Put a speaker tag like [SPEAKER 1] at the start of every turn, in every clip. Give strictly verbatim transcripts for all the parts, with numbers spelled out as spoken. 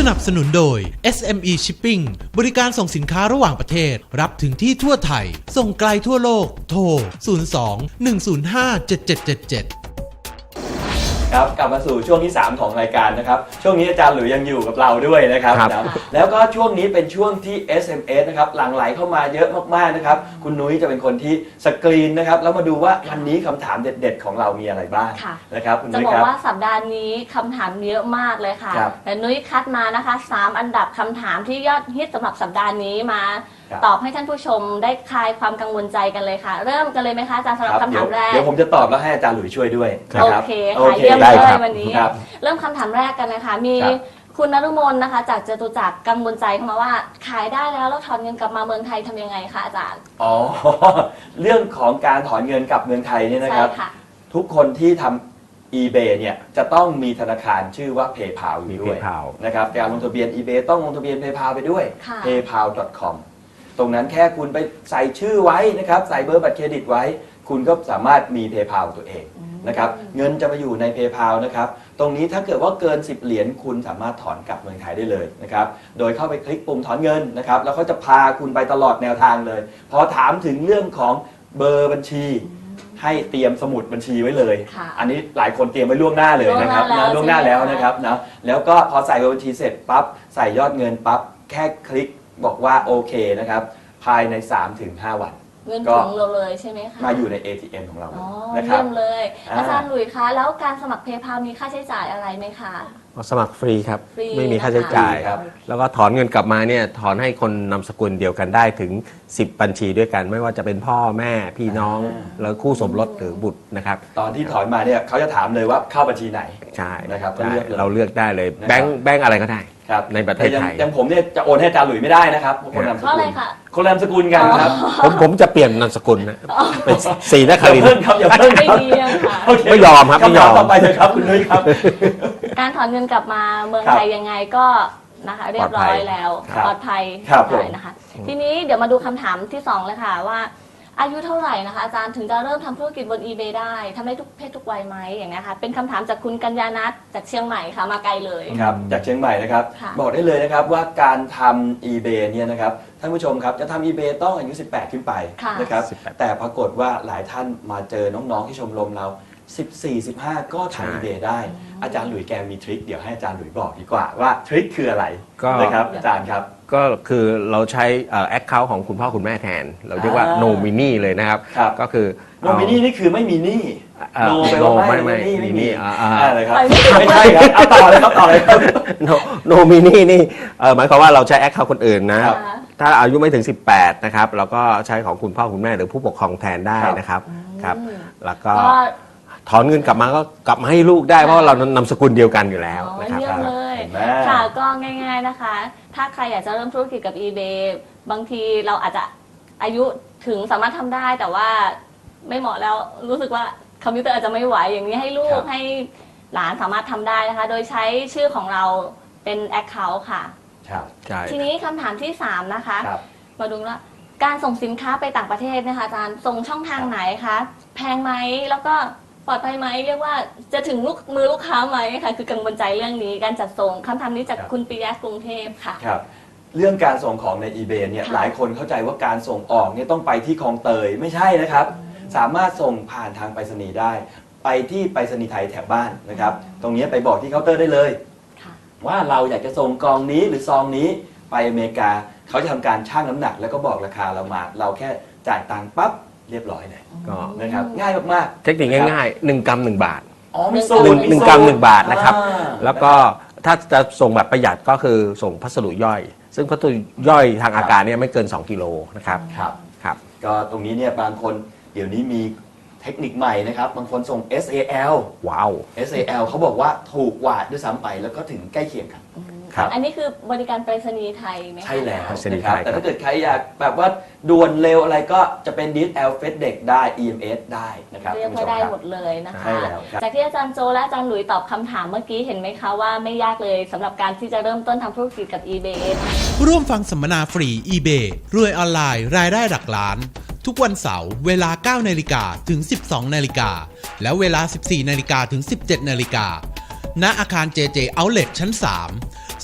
[SPEAKER 1] นับสนุนโดย เอส เอ็ม อี Shipping บริการส่งสินค้าระหว่างประเทศรับถึงที่ทั่วไทยส่งไกลทั่วโลกโทรศูนย์ สอง หนึ่ง ศูนย์ ห้า เจ็ด เจ็ด เจ็ด เจ็ด
[SPEAKER 2] ครับกลับมาสู่ช่วงที่สามของรายการนะครับช่วงนี้อาจารย์หลุยยังอยู่กับเราด้วยนะครับนะแล้วก็ช่วงนี้เป็นช่วงที่ เอส เอ็ม เอส นะครับหลั่งไหลเข้ามาเยอะมากๆนะครับคุณนุ้ยจะเป็นคนที่สกรีนนะครับแล้วมาดูว่าวันนี้คำถามเด็ดๆของเรามีอะไรบ้างนะครับคุณนุ้ยครับจะ
[SPEAKER 3] บอกว่าสัปดาห์นี้คำถามเยอะมากเลยค่ะแต่นุ้ยคัดมานะคะสามอันดับคำถามที่ยอดฮิตสำหรับสัปดาห์นี้มาตอบให้ท่านผู้ชมได้คลายความกังวลใจกันเลยค่ะเริ่มกันเลยไหมคะอาจารย์สำหรับคำถามแรก
[SPEAKER 2] เดี๋ยวผมจะตอบแล้วให้อาจารย์หลุยช่วยด้วย
[SPEAKER 3] โอเคค่ะเยี่ยมเลยวันนี้เริ่มคำถามแรกกันนะคะมีคุณนฤมลนะคะจากจตุจักรกังวลใจเข้ามาว่าขายได้แล้วแล้วถอนเงินกลับมาเมืองไทยทำยังไงคะอาจารย์
[SPEAKER 2] อ๋อเรื่องของการถอนเงินกลับเมืองไทยเนี่ยนะครับทุกคนที่ทำ eBay เนี่ยจะต้องมีธนาคารชื่อว่า PayPal อยู่ด้วยนะครับการลงทะเบียน eBay ต้องลงทะเบียน PayPal ไปด้วย เพย์พาล ดอท คอม ตรงนั้นแค่คุณไปใส่ชื่อไว้นะครับใส่เบอร์บัตรเครดิตไว้คุณก็สามารถมี PayPal ตัวเองนะครับเงินจะมาอยู่ใน PayPal นะครับตรงนี้ถ้าเกิดว่าเกินสิบเหรียญคุณสามารถถอนกลับเมืองไทยได้เลยนะครับโดยเข้าไปคลิกปุ่มถอนเงินนะครับแล้วเขาจะพาคุณไปตลอดแนวทางเลยพอถามถึงเรื่องของเบอร์บัญชีให้เตรียมสมุดบัญชีไว้เลยอันนี้หลายคนเตรียมไว้ล่วงหน้าเลยนะครับนะล่วงหน้าแล้วนะครับนะแล้วก็พอใส่เบอร์บัญชีเสร็จปั๊บใส่ยอดเงินปั๊บแค่คลิกบอกว่าโอเคนะครับภายใน สามถึงห้า วัน
[SPEAKER 3] เงินถึงเราเลยใช่ไหมคะ
[SPEAKER 2] มาอยู่ใน เอ ที เอ็ม ของเรา
[SPEAKER 3] นะครับเยี่ยมเลยอาจารย์หลุยส์คะแล้วการสมัคร PayPal มีค่าใช้จ่ายอะไรไหมคะ
[SPEAKER 4] สมัครฟรีครับไม่มีค่าใช้จ่ายครับแล้วก็ถอนเงินกลับมาเนี่ยถอนให้คนนามสกุลเดียวกันได้ถึงสิบบัญชีด้วยกันไม่ว่าจะเป็นพ่อแม่พี่น้องแล้วคู่สมรสหรือบุตรนะครับ
[SPEAKER 2] ตอนที่ถอนมาเนี่ยเขาจะถามเลยว่าเข้าบัญชีไหน
[SPEAKER 4] ใช่
[SPEAKER 2] นะครับ
[SPEAKER 4] เราเลือกได้เลยแบงค์แบงค์อะไรก็ได้ในประเทศไทย
[SPEAKER 2] อย่างผมเนี่ยจะโอนให้อาจารย์หลุยไม่ได้นะครับคนนามสกุลคนนามสกุลกันครับ
[SPEAKER 4] ผมผมจะเปลี่ยนนามสกุลนะเป็นศรีนครินทร์
[SPEAKER 2] ครับอย่าเพิ่งครับ
[SPEAKER 4] ไม่ยอมครับไม่ยอม
[SPEAKER 2] ต่อไปเลยครับคุณนุ้ยครับ
[SPEAKER 3] การถอนเงินกลับมาเมืองไทยยังไงก็นะคะเรียบร้อยแล้วปลอดภัยได้นะคะทีนี้เดี๋ยวมาดูคำถามที่สองเลยค่ะว่าอายุเท่าไหร่นะคะอาจารย์ถึงจะเริ่มทำธุรกิจบน eBay ได้ทำได้ทุกเพศทุกวัยไหมอย่างนี้ค่ะเป็นคำถามจากคุณกัญญานัทจากเชียงใหม่ค่ะมาไกลเลย
[SPEAKER 2] ครับจากเชียงใหม่นะครับบอกได้เลยนะครับว่าการทำ eBay เนี่ยนะครับท่านผู้ชมครับจะทำ eBay ต้องอายุสิบแปดขึ้นไปนะครับแต่ปรากฏว่าหลายท่านมาเจอน้องๆที่ชมรมเราสิบสี่ สิบห้าก็ทำ eBay ได้อาจารย์หลุยแกมีทริคเดี๋ยวให้อาจารย์หลุยบอกดีกว่าว่าทริคคืออะไรนะครับอาจารย์ครับ
[SPEAKER 4] ก็คือเราใช้แอคเคาท์ของคุณพ่อคุณแม่แทนเราเรียกว่า โนมินี เลยนะครับก็คือ
[SPEAKER 2] โนมินี นี่คือไม่มีหนี้
[SPEAKER 4] โนแปลว่าไม่ไม่มีหนี้
[SPEAKER 2] อะไรครับไม่ใช่ครับเอาต่อเลยครับต่อเลยครับ
[SPEAKER 4] โนมินีนี่หมายความว่าเราใช้แอคเคาท์คนอื่นนะถ้าอายุไม่ถึงสิบแปดนะครับเราก็ใช้ของคุณพ่อคุณแม่หรือผู้ปกครองแทนได้นะครับครับแล้วก็ถอนเงินกลับมาก็กลับมาให้ลูกได้เพราะเรานามสกุลเดียวกันอยู่แล้ว
[SPEAKER 3] นะครับเยี่ยมเลยค่ะก็ง่ายๆนะคะถ้าใครอยากจะเริ่มธุรกิจกับ eBay บางทีเราอาจจะอายุถึงสามารถทำได้แต่ว่าไม่เหมาะแล้วรู้สึกว่าคอมพิวเตอร์อาจจะไม่ไหวอย่างนี้ให้ลูกให้หลานสามารถทำได้นะคะโดยใช้ชื่อของเราเป็น Account ค่ะทีนี้คำถามที่สามนะคะมาดูว่าการส่งสินค้าไปต่างประเทศนะคะอาจารย์ส่งช่องทางไหนคะแพงไหมแล้วก็ปลอดภัยไหมเรียกว่าจะถึงลูกมือลูกค้าไหมค่ะคือกังวลใจเรื่องนี้การจัดส่งคำถามนี้จากคุณปิยะกรุงเทพค่ะ
[SPEAKER 2] ครับเรื่องการส่งของใน eBay เนี่ยหลายคนเข้าใจว่าการส่งออกเนี่ยต้องไปที่คลองเตยไม่ใช่นะครับสามารถส่งผ่านทางไปรษณีย์ได้ไปที่ไปรษณีย์ไทยแถบบ้านนะครับตรงนี้ไปบอกที่เคาน์เตอร์ได้เลยว่าเราอยากจะส่งกล่องนี้หรือซองนี้ไปอเมริกาเขาจะทำการชั่งน้ำหนักแล้วก็บอกราคาเรามาเราแค่จ่ายตังค์ปั๊บเรียบร้อยเลยก็นะครับง่ายมาก
[SPEAKER 4] ๆเทคนิคง่ายๆหนึ่งกรัมหนึ่งบาท
[SPEAKER 2] อ๋อมี
[SPEAKER 4] สูตรหนึ่งกรัมหนึ่งบาทนะครับแล้วก็ถ้าจะส่งแบบประหยัดก็คือส่งพัสดุย่อยซึ่งพัสดุย่อยทางอากาศเนี่ยไม่เกินสองกิโลนะครับ
[SPEAKER 2] ครับครับก็ตรงนี้เนี่ยบางคนเดี๋ยวนี้มีเทคนิคใหม่นะครับบางคนส่ง เอส เอ แอล
[SPEAKER 4] ว้าว
[SPEAKER 2] เอส เอ แอล เขาบอกว่าถูกกว่าด้วยซ้ำไปแล้วก็ถึงใกล้เคียงกัน
[SPEAKER 3] อันนี้คือบริการไปรษณีย์ไทยไหม
[SPEAKER 2] ใช่แล้วนะครับแต่ถ้าเกิดใครอยากแบบว่าด่วนเร็วอะไรก็จะเป็น ดี เอช แอล เฟสเด็กได้ อี เอ็ม เอส ได้นะครับ
[SPEAKER 3] เรียกว่าได้หมดเลยนะคะจากที่อาจารย์โจและอาจารย์หลุยตอบคำถามเมื่อกี้เห็นไหมคะว่าไม่ยากเลยสำหรับการที่จะเริ่มต้นทำธุรกิจกับ eBay
[SPEAKER 1] ร่วมฟังสัมมนาฟรี eBay รวยออนไลน์รายได้หลักล้านทุกวันเสาร์เวลา เก้านาฬิกา ถึง สิบสองนาฬิกา และเวลา สิบสี่นาฬิกา ถึง สิบเจ็ดนาฬิกาณอาคาร เจ เจ Outlet ชั้น สาม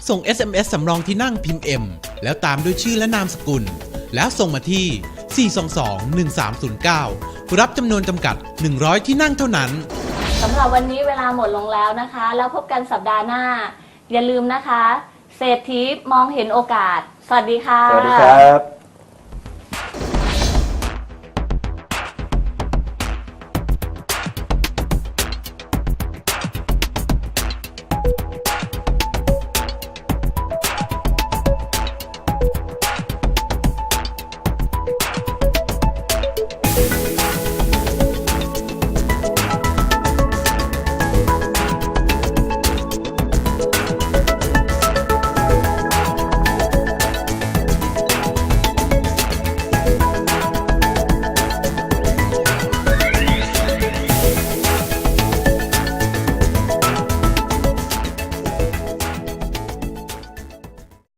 [SPEAKER 1] ส่ง เอส เอ็ม เอส สำรองที่นั่งพิมพ์ M แล้วตามด้วยชื่อและนามสกุลแล้วส่งมาที่ สี่ สอง สอง หนึ่ง สาม ศูนย์ เก้า รับจำนวนจำกัด หนึ่งร้อย ที่นั่งเท่านั้น
[SPEAKER 3] สำหรับวันนี้เวลาหมดลงแล้วนะคะแล้วพบกันสัปดาห์หน้าอย่าลืมนะคะเศรษฐีมองเห็นโอกาสสวัสดีค่ะ
[SPEAKER 2] สวัสดีครับ